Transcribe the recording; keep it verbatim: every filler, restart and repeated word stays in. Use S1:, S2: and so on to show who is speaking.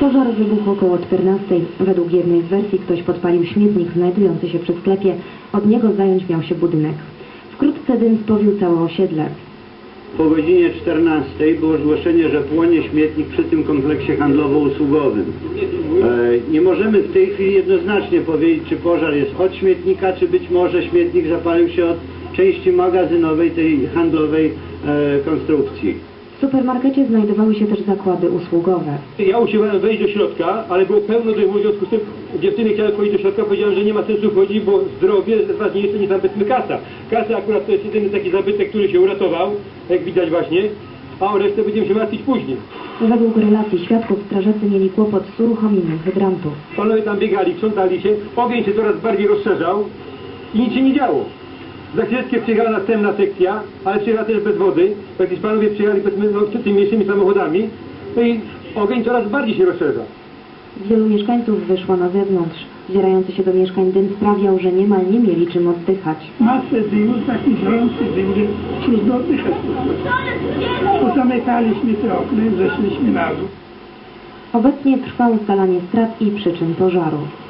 S1: Pożar wybuchł około czternastej. Według jednej z wersji ktoś podpalił śmietnik znajdujący się przy sklepie. Od niego zająć miał się budynek. Wkrótce dym spowił całe osiedle.
S2: Po godzinie czternastej było zgłoszenie, że płonie śmietnik przy tym kompleksie handlowo-usługowym. E, nie możemy w tej chwili jednoznacznie powiedzieć, czy pożar jest od śmietnika, czy być może śmietnik zapalił się od części magazynowej tej handlowej e, konstrukcji.
S1: W supermarkecie znajdowały się też zakłady usługowe.
S3: Ja usiłowałem wejść do środka, ale było pełno dymu, w związku z tym dziewczyny chciały wchodzić do środka, powiedziałem, że nie ma sensu wchodzić, bo zdrowie jest ważniejsze niż tam powiedzmy kasa. Kasa akurat to jest jedyny taki zabytek, który się uratował, jak widać właśnie, a o resztę będziemy się martwić później.
S1: Według relacji świadków strażacy mieli kłopot z uruchomieniem hydrantów.
S3: Panowie tam biegali, krzątali się, ogień się coraz bardziej rozszerzał i nic się nie działo. Za chwileczkę przyjechała następna sekcja, ale przyjechała też bez wody. Jakieś panowie przyjechali powiedzmy no, tymi mniejszymi samochodami, no i ogień coraz bardziej się rozszerza.
S1: Wielu mieszkańców wyszło na zewnątrz. Zbierający się do mieszkań dym sprawiał, że niemal nie mieli czym oddychać.
S4: Masę dymu, taki żrący dym, że trudno oddychać. Pozamykaliśmy te okna i zeszliśmy na dół.
S1: Obecnie trwa ustalanie strat i przyczyn pożaru.